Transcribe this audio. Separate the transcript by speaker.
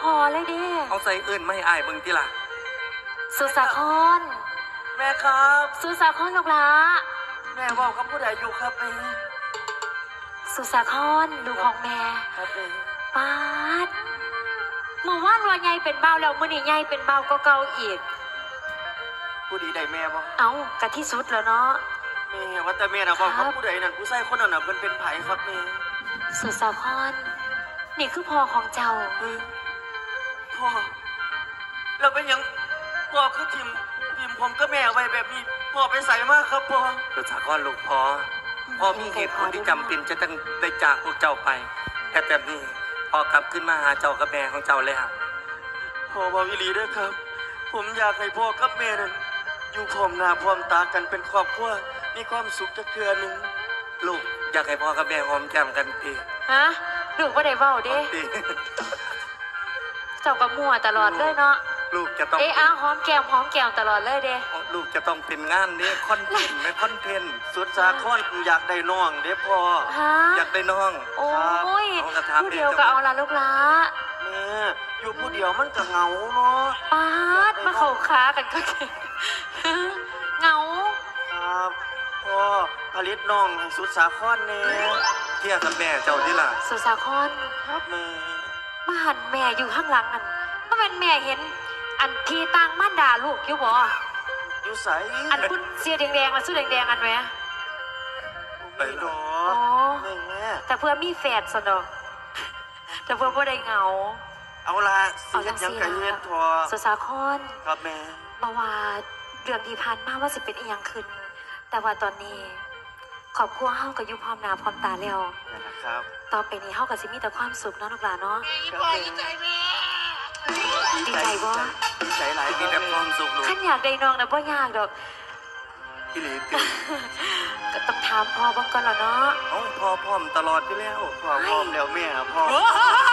Speaker 1: พอเลยเด้
Speaker 2: เอาใส่เอื่นไม่อายเบิ่งติล่ะ
Speaker 1: สุสาคร
Speaker 3: แม่ครับ
Speaker 1: สุสาครลูกหลา
Speaker 3: แม่บอกกับผู้ใดอยู่ครับแม่
Speaker 1: สุสาครลูกของแม่
Speaker 3: ครับแม่
Speaker 1: ปาดเมื่อวานว่าใหญ่เป็นเบาแล้วมื้อนี้ใหญ่เป็นเบาก็เก่าอีก
Speaker 3: ผู้ดีได้แม่บ่
Speaker 1: เอากะที่สุดแล้วเนาะ
Speaker 3: แม่ว่าแต่แม่น่ะบอกกับผู้ใดนั่นผู้ชายคนนั้นน่ะเพิ่นเป็นไผครับแม่
Speaker 1: สุสาครนี่คือพ่อของเจ้า
Speaker 3: พ่อเราเป็นยังพ่อคือทิมผมก็แม่ไว้แบบนี้พ่อไปใส่มากครับพ่อ
Speaker 2: สุสาครลูกพ่อมีเหตุผลที่จำเป็นจะต้องได้จากพวกเจ้าไปแต่แบบนี้พ่อกลับขึ้นมาหาเจ้ากับแม่ของเจ้าแล้ว
Speaker 3: พ่อบอกอีหลีด้วยครับผมอยากให้พ่อกับแม่นั้นอยู่พร้อมหน้าพร้อมตากันเป็นครอบครัวมีความสุขจักเทื่อนึง
Speaker 2: ลูกอยากให้พ่อกับแม่หอมแก้มกันตี
Speaker 1: ฮะลูกบ่ได้เว้าเด้เจ้าก็มั่วตลอดเลยเนาะ
Speaker 2: ลูกจะต้อง
Speaker 1: หอมแก้มตลอดเลยเด้
Speaker 2: ลูกจะต้องเป็นงานนี้คอนเทนต์ไม่คอนเทนต์
Speaker 3: สุดสาครอยากได้น้องเด้พ่อ
Speaker 2: อยากได้น้อง
Speaker 1: โอ้ยผู้เดียวก็เอาละลูกละ
Speaker 3: แม่อยู่ผู้เดียวมันก็เหงาเนาะ
Speaker 1: ปาดมาเข้าค้ากันก็เหงา
Speaker 3: ครับพ่อผลิตน้องให้สุดสาครแน่
Speaker 2: เที่ยกับแม่เจ้าดิล่ะ
Speaker 1: สุดสาคร
Speaker 3: ครับแม่
Speaker 1: มาหันแม่อยู่ข้างหลังนั่นก็เป็นแม่เห็นอันที่ต่างม่านด่าลูกอยู่บ่
Speaker 3: อยู่ใส
Speaker 1: อันพุ่นเสียแดงๆมาสู้แดงๆอันไหม
Speaker 3: ไปดอ
Speaker 1: แม่แต่เพื่อมีแฝดสนองแต่เพื่อบ่ได้เหงา
Speaker 3: เอาละเอาจังซี่ยังเฮ็ดพอ
Speaker 1: สุสาคร
Speaker 3: ครับแม่
Speaker 1: บ่ว่าเรื่องที่ผ่านมาว่าสิเป็นอีหยังขึ้นแต่ว่าตอนนี้ครอบครัวเฮาก็อยู่พร้อมหน้าพร้อมตาแล้ว
Speaker 3: นะครับ
Speaker 1: ต่อไปนี้เฮาก็สิมีแต่ความสุขเนาะลูกหลานเนาะ
Speaker 3: ดีใจแม่
Speaker 1: ดีใจบ่
Speaker 3: ดีใจหลาย
Speaker 2: มีแต่ความสุขลูก
Speaker 1: คันอยากได้น้องน่ะบ่ยากดอก
Speaker 2: พี่หลี
Speaker 1: ก็ต้องถามพ่อเบิ่งก่อนล่ะเนาะ
Speaker 2: พ่อพร้อมตลอดอยู่แล้ว
Speaker 3: พ่อพร้อมแล้วแม่พ่อ